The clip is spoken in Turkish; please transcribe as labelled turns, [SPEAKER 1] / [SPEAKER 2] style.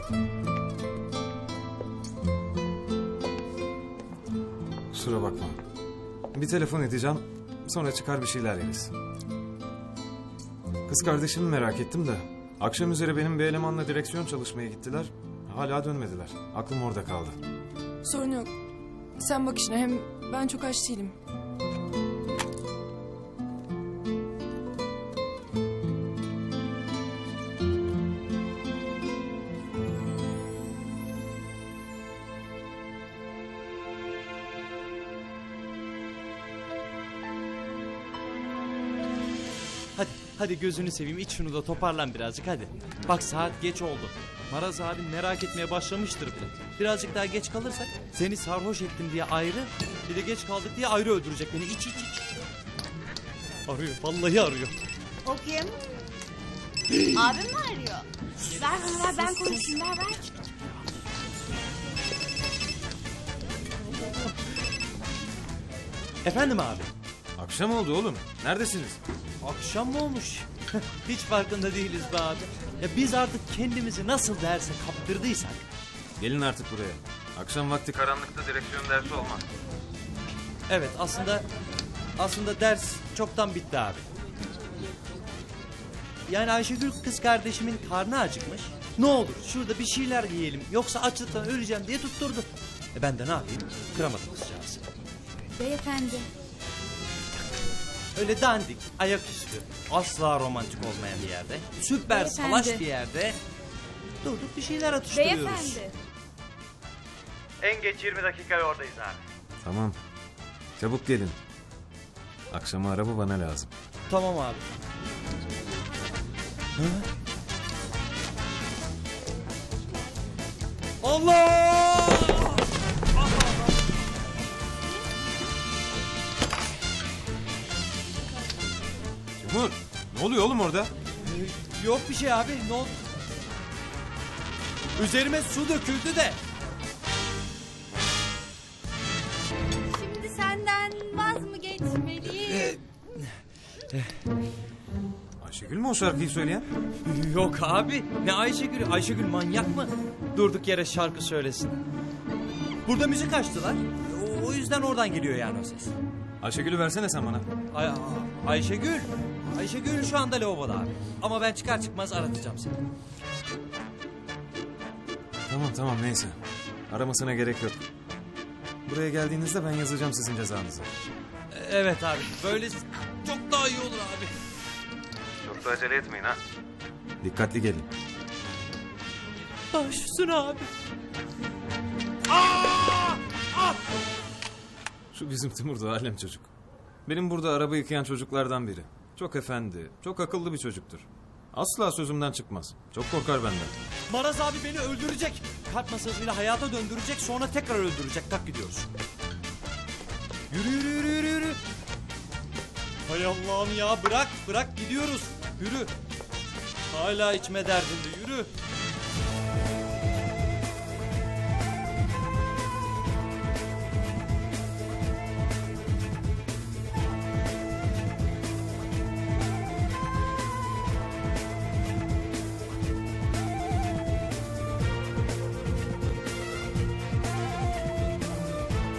[SPEAKER 1] Kusura bakma. Bir telefon edeceğim. Sonra çıkar bir şeyler yeriz. Kız kardeşimi merak ettim de. Akşam üzere benim bir elemanla direksiyon çalışmaya gittiler. Hala dönmediler. Aklım orada kaldı.
[SPEAKER 2] Sorun yok. Sen bak işine, hem ben çok aç değilim.
[SPEAKER 3] Hadi gözünü seveyim, iç şunu da toparlan birazcık hadi. Bak saat geç oldu. Maraz abi merak etmeye başlamıştır bile. Birazcık daha geç kalırsak seni sarhoş ettim diye ayrı, bir de geç kaldık diye ayrı öldürecek beni. İç. Arıyor, vallahi arıyor.
[SPEAKER 4] O kim? Abim mi arıyor? Ver bana, ver, ben konuşayım, ver.
[SPEAKER 3] Efendim abi?
[SPEAKER 1] Akşam oldu oğlum. Neredesiniz?
[SPEAKER 3] Akşam mı olmuş? Hiç farkında değiliz be abi. Ya biz artık kendimizi nasıl derse kaptırdıysak.
[SPEAKER 1] Gelin artık buraya. Akşam vakti karanlıkta direksiyon dersi olmaz.
[SPEAKER 3] Evet, aslında ders çoktan bitti abi. Yani Ayşegül kız kardeşimin karnı acıkmış. Ne olur şurada bir şeyler yiyelim yoksa açlıktan öleceğim diye tutturdu. Ben de ne yapayım? Kıramadım kızcağızı.
[SPEAKER 4] Beyefendi.
[SPEAKER 3] Öyle dandik, ayaküstü, asla romantik olmayan bir yerde, süper
[SPEAKER 4] Beyefendi.
[SPEAKER 3] salaş bir yerde durduk bir şeyler atıştırıyoruz.
[SPEAKER 4] Beyefendi.
[SPEAKER 3] En geç 20 dakika oradayız abi.
[SPEAKER 1] Tamam. Çabuk gelin. Akşama araba bana lazım.
[SPEAKER 3] Tamam abi. Hı? Allah!
[SPEAKER 1] Timur, ne oluyor oğlum orada?
[SPEAKER 3] Yok bir şey abi, ne oldu? Üzerime su döküldü de.
[SPEAKER 4] Şimdi senden vaz mı geçmeliyim?
[SPEAKER 1] Ayşegül mü o şarkıyı söyleyen?
[SPEAKER 3] Yok abi, ne Ayşegül? Ayşegül manyak mı? Durduk yere şarkı söylesin. Burada müzik açtılar. O yüzden oradan geliyor yani o ses.
[SPEAKER 1] Ayşegül'ü versene sen bana.
[SPEAKER 3] Ayşegül. Ayşegül şu anda lavaboda abi. Ama ben çıkar çıkmaz aratacağım seni.
[SPEAKER 1] Tamam neyse. Aramasına gerek yok. Buraya geldiğinizde ben yazacağım sizin cezanızı.
[SPEAKER 3] Evet abi, böyle çok daha iyi olur abi.
[SPEAKER 1] Çok da acele etmeyin ha. Dikkatli gelin.
[SPEAKER 3] Baş üstüne abi.
[SPEAKER 1] Şu bizim Timur da alem çocuk. Benim burada araba yıkayan çocuklardan biri. Çok efendi, çok akıllı bir çocuktur. Asla sözümden çıkmaz. Çok korkar benden.
[SPEAKER 3] Maraz abi beni öldürecek. Kalp masajıyla hayata döndürecek, sonra tekrar öldürecek. Tak gidiyoruz. Yürü. Hay Allah'ım ya, bırak gidiyoruz. Yürü. Hala içme derdinde, yürü.